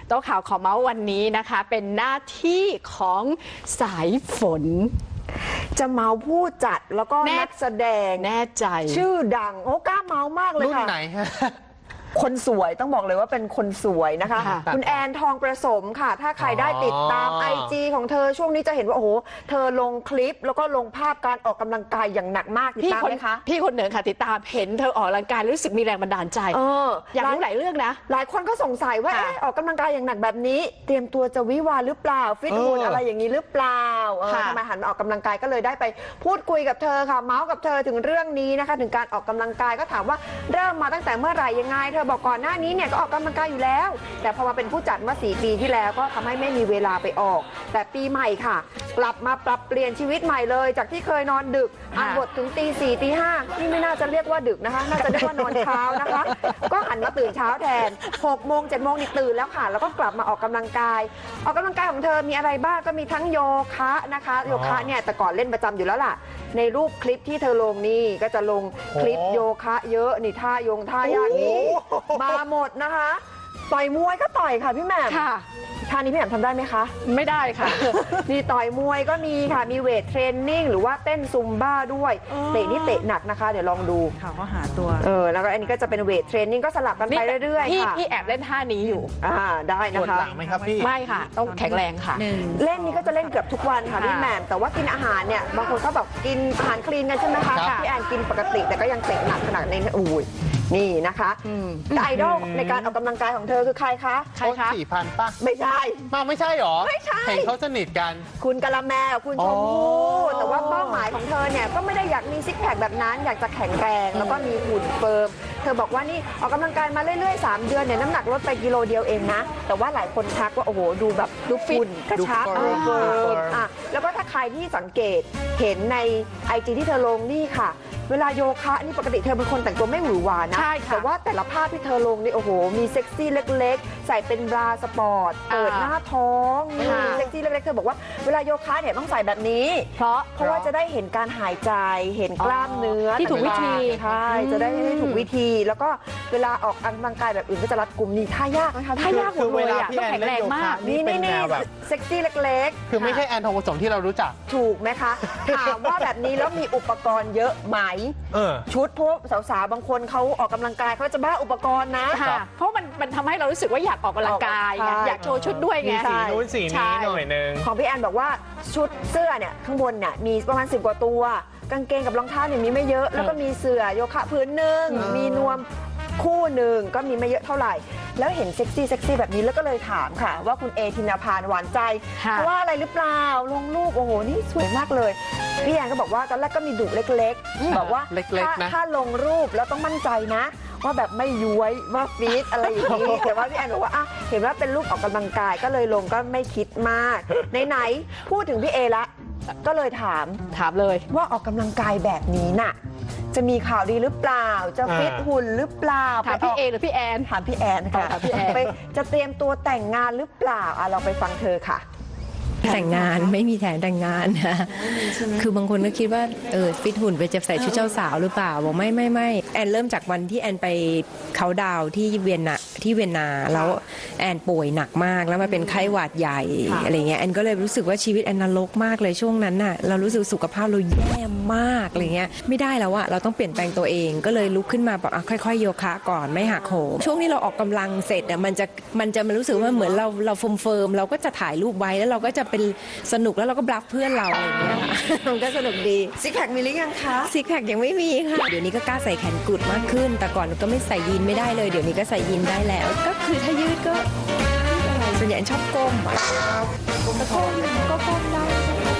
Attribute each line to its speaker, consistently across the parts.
Speaker 1: โต๊ะข่าวขอเมาส์วันนี้นะคะเป็นหน้าที่ของสายฝน
Speaker 2: จะเมาผู้จัดแล้วก็นักแสดง
Speaker 1: แน่ใจ
Speaker 2: ชื่อดังโอ้กล้าเมามากเลยค่ะ
Speaker 3: รุ่นไหนฮะ
Speaker 2: คนสวยต้องบอกเลยว่าเป็นคนสวยนะคะคุณแอนทองประสมค่ะถ้าใครได้ติดตาม IG ของเธอช่วงนี้จะเห็นว่าโอ้โหเธอลงคลิปแล้วก็ลงภาพการออกกำลังกายอย่างหนักมากติดตามไหมคะ
Speaker 1: พี่คนหนึ่งค่ะติดตามเห็นเธอออกกำลังกายรู้สึกมีแรงบันดาลใจอยากรู้หลายเรื่องนะ
Speaker 2: หลายคนก็สงสัยว่าออกกำลังกายอย่างหนักแบบนี้เตรียมตัวจะวิวาหรือเปล่าฟิตหุ่นอะไรอย่างนี้หรือเปล่าทำไมหันมาออกกำลังกายก็เลยได้ไปพูดคุยกับเธอค่ะเมาส์กับเธอถึงเรื่องนี้นะคะถึงการออกกำลังกายก็ถามว่าเริ่มมาตั้งแต่เมื่อไหร่ยังไงเธอบอกก่อนหน้านี้เนี่ยก็ออกกำลังกายอยู่แล้วแต่พอมาเป็นผู้จัดเมื่อ4 ปีที่แล้วก็ทำให้ไม่มีเวลาไปออกแต่ปีใหม่ค่ะกลับมาปรับเปลี่ยนชีวิตใหม่เลยจากที่เคยนอนดึกอ่านบทถึงตี 4 ตี 5นี่ไม่น่าจะเรียกว่าดึกนะคะน่าจะเรียกว่านอนเช้านะคะก็หันมาตื่นเช้าแทน6 โมง 7 โมงนี่ตื่นแล้วค่ะแล้วก็กลับมาออกกำลังกายของเธอมีอะไรบ้างก็มีทั้งโยคะนะคะโยคะเนี่ยแต่ก่อนเล่นประจำอยู่แล้วล่ะในรูปคลิปที่เธอลงนี่ก็จะลงคลิปโยคะเยอะนี่ท่ายากนี้มาหมดนะคะต่อยมวยก็ต่อยค่ะพี่แหม่มท่านี้พี่แหม่มทำได้ไหมคะ
Speaker 1: ไม่ได้ค่ะ
Speaker 2: นี่ต่อยมวยก็มีค่ะมีเวทเทรนนิ่งหรือว่าเต้นซุมบ้าด้วยเตะนี่เตะหนักนะคะเดี๋ยวลองดู
Speaker 4: ค่ะก็หาตัว
Speaker 2: แล้วก็อันนี้ก็จะเป็นเวทเทรนนิ่งก็สลับกันไปเรื่อยๆค่ะ
Speaker 1: พี่แอบเล่นท่านี้อยู่
Speaker 2: ได้นะคะ
Speaker 3: ปวดหลังไหมครับพี่
Speaker 1: ไม่ค่ะต้องแข็งแรงค่ะ
Speaker 2: เล่นนี้ก็จะเล่นเกือบทุกวันค่ะพี่แหม่มแต่ว่ากินอาหารเนี่ยบางคนก็แบบกินอาหารคลีนกันใช่ไหมคะพี่แอนกินปกติแต่ก็ยังเตะหนักขนาดนี้นี่นะคะไอดอลในการออกกำลังกายของเธอคือใครคะ
Speaker 3: 4,000ป่ะ
Speaker 2: ไม่ใช่
Speaker 3: ไม่ใช่หรอ
Speaker 2: ไม่ใช่
Speaker 3: เห็นเขาสนิทกัน
Speaker 2: คุณกะละแมคุณชมพู่แต่ว่าเป้าหมายของเธอเนี่ยก็ไม่ได้อยากมีซิกแพคแบบนั้นอยากจะแข็งแรงแล้วก็มีหุ่นเฟิร์มเธอบอกว่านี่ออกกำลังกายมาเรื่อยๆ3 เดือนเนี่ยน้ำหนักลดไปกิโลเดียวเองนะแต่ว่าหลายคนทักว่าโอ้โหดูแบบดูฟิตกระชับเฟิร์มแล้วก็ถ้าใครที่สังเกตเห็นใน IG ที่เธอลงนี่ค่ะเวลาโยคะนี่ปกติเธอเป็นคนแต่งตัวไม่หวือหวานะแต่ว่าแต่ละภาพที่เธอลงนี่โอ้โหมีเซ็กซี่เล็กๆใส่เป็นบราสปอร์ตเปิดหน้าท้องมีเซ็กซี่เล็กๆเธอบอกว่าเวลาโยคะเนี่ยต้องใส่แบบนี้เพราะว่าจะได้เห็นการหายใจเห็นกล้ามเนื้อ
Speaker 1: ที่ถูกวิธี
Speaker 2: ใช่จะได้ถูกวิธีแล้วก็เวลาออกกำลังกายแบบอื่นก็จะรัดกุมนี่ท่ายากนะคะ
Speaker 1: ท่ายากหมดเลยอ่ะต้องแข็งแรงมาก
Speaker 2: นี่เซ็กซี่เล็ก
Speaker 3: ๆคือไม่ใช่แอนทองผสมที่เรารู้จัก
Speaker 2: ถูกไหมคะถามว่าแบบนี้แล้วมีอุปกรณ์เยอะไหมชุดพวกสาวๆบางคนเขาออกกำลังกายเขาจะบ้าอุปกรณ์นะ
Speaker 1: เพราะมันทำให้เรารู้สึกว่าอยากออกกำลังกายอยากโชว์ชุดด้วยไง
Speaker 3: สีนู้นสีนี้หน่อยนึง
Speaker 2: ของพี่แอนบอกว่าชุดเสื้อเนี่ยข้างบนเนี่ยมีประมาณ10 กว่าตัวกางเกงกับรองเท้าเนี่ยมีไม่เยอะแล้วก็มีเสื่อโยคะพื้นหนึ่งมีนวมคู่หนึ่งก็มีไม่เยอะเท่าไหร่แล้วเห็นเซ็กซี่แบบนี้แล้วก็เลยถามค่ะว่าคุณเอธินาภาหวานใจเพราะว่าอะไรหรือเปล่าลงรูปโอ้โหนี่สวยมากเลยพี่แอนก็บอกว่าตอนแรกก็มีดุเล็กๆบอกว่าถ้าลงรูปแล้วต้องมั่นใจนะว่าแบบไม่ย้วยว่าฟีดอะไรอย่างนี้แต่ว่าพี่แอนบอกว่าเห็นว่าเป็นรูปออกกำลังกายก็เลยลงก็ไม่คิดมากไหนพูดถึงพี่เอละก็เลยถาม
Speaker 1: เลย
Speaker 2: ว่าออกกำลังกายแบบนี้น่ะจะมีข่าวดีหรือเปล่าจะฟิตหุ่นหรือเปล่า
Speaker 1: ถามพี่เอหรือพี่แอน
Speaker 2: ถามพี่แอนค่ะไปจะเตรียมตัวแต่งงานหรือเปล่าเราไปฟังเธอค่ะ
Speaker 4: แต่งงานไม่มีแผนแต่งงานนะคือบางคนก็คิดว่าฟิตหุ่นไปจะใส่ชุดเจ้าสาวหรือเปล่าบอกไม่แอนเริ่มจากวันที่แอนไปเขาดาวที่เวียนนาแล้วแอนป่วยหนักมากแล้วมาเป็นไข้หวัดใหญ่อะไรเงี้ยแอนก็เลยรู้สึกว่าชีวิตแอนนรกมากเลยช่วงนั้นน่ะเรารู้สึกสุขภาพเราแย่มากอะไรเงี้ยไม่ได้แล้วอะเราต้องเปลี่ยนแปลงตัวเองก็เลยลุกขึ้นมาแบบค่อยๆโยคะก่อนไม่หักโหมช่วงนี้เราออกกำลังเสร็จอะมันจะรู้สึกว่าเหมือนเราเฟิร์มเราก็จะถ่ายรูปไว้แล้วเราก็จะเป็นสนุกแล้วเราก็บลัฟเพื่อนเราอะไรอย่างเงี้ย
Speaker 2: มันก็สนุกดีซิกแพคมีหรือยังคะ
Speaker 4: ซิกแพคยังไม่มีค่ะเดี๋ยวนี้ก็กล้าใส่แขนกุดมากขึ้นแต่ก่อนก็ไม่ใส่ยีนไม่ได้เลยเดี๋ยวนี้ก็ใส่ยีนได้แล้วก็คือถ้ายืดก็ส่วนใหญ่ชอบก้มก็ก้มได้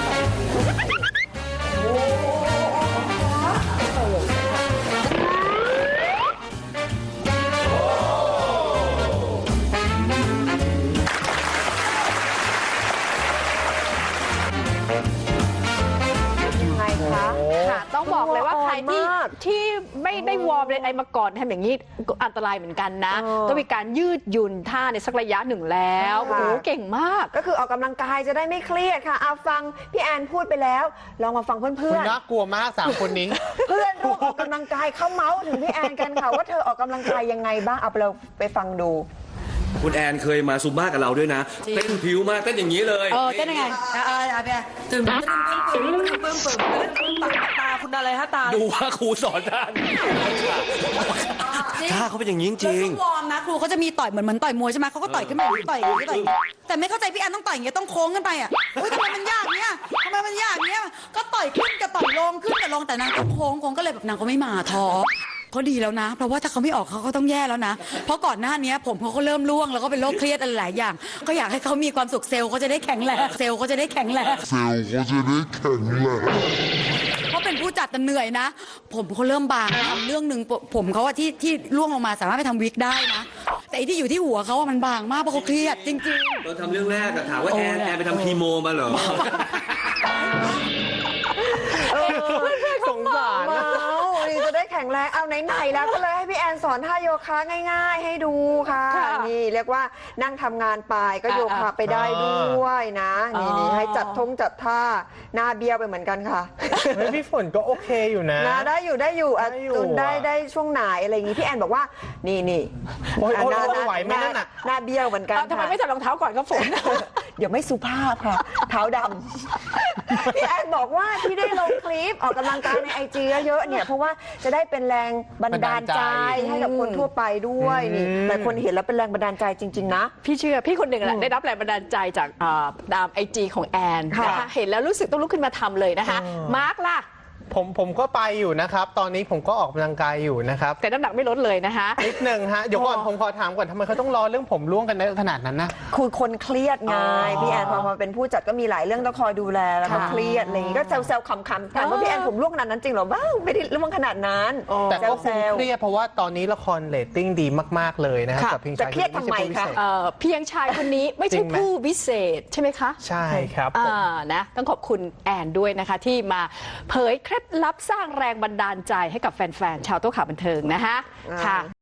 Speaker 1: ต้องบอกเลยว่าใครที่ไม่ได้วอร์มอะไรมาก่อนทำอย่างนี้อันตรายเหมือนกันนะต้องมีการยืดหยุ่นท่าในสักระยะหนึ่งแล้วโอ้โหเก่งมาก
Speaker 2: ก็คือออกกำลังกายจะได้ไม่เครียดค่ะเอาฟังพี่แอนพูดไปแล้วลองมาฟังเพื่อน
Speaker 3: ๆน่ากลัวมาก3 คนนี้
Speaker 2: เพื่อนร่วมออกกำลังกายเขาเมาส์ถึงพี่แอนกันค่ะว่าเธอออกกำลังกายยังไงบ้างเอาเราไปฟังดู
Speaker 5: คุณแอนเคยมาซุมบ้ากับเราด้วยนะเต้นผิวมากเต้นอย่างนี้เลย
Speaker 6: เต้นยังไงตื่นปึ้มตาคุณอะไรฮะตา
Speaker 5: ดูว่าครูสอนท่านท่าเขาเป็นอย่างนี้จริง
Speaker 6: วอร์มนะครูเขาจะมีต่อยเหมือนต่อยมวยใช่ไหมเขาก็ต่อยขึ้นมาต่อยอย่างนี้ต่อยแต่ไม่เข้าใจพี่แอนต้องต่อยอย่างเงี้ยต้องโค้งขึ้นไปอ่ะทำไมมันยากเนี้ยทำไมมันยากเนี้ยก็ต่อยขึ้นกับต่อยลงขึ้นกับลงแต่นางต้องโค้งก็เลยแบบนางก็ไม่มาท้อเขาดีแล้วนะเพราะว่าถ้าเขาไม่ออกเขาก็ต้องแย่แล้วนะเพราะก่อนหน้านี้ผมเขาก็เริ่มร่วงแล้วก็เป็นโรคเครียดอะไรหลายอย่างก็อยากให้เขามีความสุขเซลล์เขาจะได้แข็งแรงเพราะเป็นผู้จัดเหนื่อยนะผมเขาเริ่มบางทำเรื่องหนึ่งผมเขาอะที่ร่วงลงมาสามารถไปทำวิกได้นะแต่ที่อยู่ที่หัวเขาอะมันบางมากเพราะเขาเครียดจริงๆ
Speaker 5: ตอนทำเรื่องแรกอะถามว่าแอนไปทำคีโมมาเหรอ
Speaker 3: สงสารนะ
Speaker 2: นี่จะได้แข็งแรงเอาไหนๆแล้วก็เลยให้พี่แอนสอนท่าโยคะง่ายๆให้ดูค่ะ นี่เรียกว่านั่งทำงานไปก็โยคะไปได้ด้วยนะนี่ให้จัดท่าหน้าเบี้ยวไปเหมือนกันค่ะ
Speaker 3: เฮ้ยพี่ฝนก็โอเคอยู่นะ
Speaker 2: ได้อยู่ตุนได้ช่วงไหนอะไรอย่างงี้พี่แอนบอกว่านี่
Speaker 3: โอ้ยไหวไหมนั่นน่ะ
Speaker 2: หน้าเบี้ยวเหมือนกัน
Speaker 1: ทำไมไม่ใส่รองเท้าก่อนครับฝน
Speaker 2: เดี๋ยวไม่สุภาพค่ะ เท้าดำพี่แอนบอกว่าที่ได้ลงคลิปออกกำลังกายใน IG เยอะๆเนี่ยเพราะว่าจะได้เป็นแรงบันดาลใจให้กับคนทั่วไปด้วยนี่หลายคนเห็นแล้วเป็นแรงบันดาลใจจริงๆนะ
Speaker 1: พี่เชื่อพี่คนหนึ่งแหละได้รับแรงบันดาลใจจากตาม IG ของแอนนะคะเห็นแล้วรู้สึกต้องลุกขึ้นมาทำเลยนะคะมาร์คล่ะ
Speaker 3: ผมก็ไปอยู่นะครับตอนนี้ผมก็ออกกำลังกายอยู่นะครับ
Speaker 1: แต่น้ำหนักไม่ลดเลยนะคะ
Speaker 3: นิดนึงฮะเดี๋ยวก่อนผมขอถามก่อนทำไมเขาต้องรอเรื่องผมร่วงกันในขนาดนั้นนะ
Speaker 2: คือคนเครียดไงพี่แอนพอมาเป็นผู้จัดก็มีหลายเรื่องต้องคอยดูแลแล้วก็เครียดอะไรอย่างงี้ก็แซวๆขำๆถามว่าพี่แอนผมร่วงขนาดนั้นจริงหรอบ้าไม่ได้ร่วงขนาดนั้น
Speaker 3: แต่ก็คงเครียดเพราะว่าตอนนี้ละครเรตติ้งดีมากๆเลยนะครับกับเพียงชาย
Speaker 2: จะเครียดทำไมคะ
Speaker 1: เพียงชายคนนี้ไม่ใช่ผู้วิเศษใช่ไหมคะ
Speaker 3: ใช่ครับ
Speaker 1: นะต้องขอบคุณแอนด้วยนะคะที่มาเผยเคล็ดลับสร้างแรงบันดาลใจให้กับแฟนๆชาวโต๊ะข่าวบันเทิงนะคะค่ะ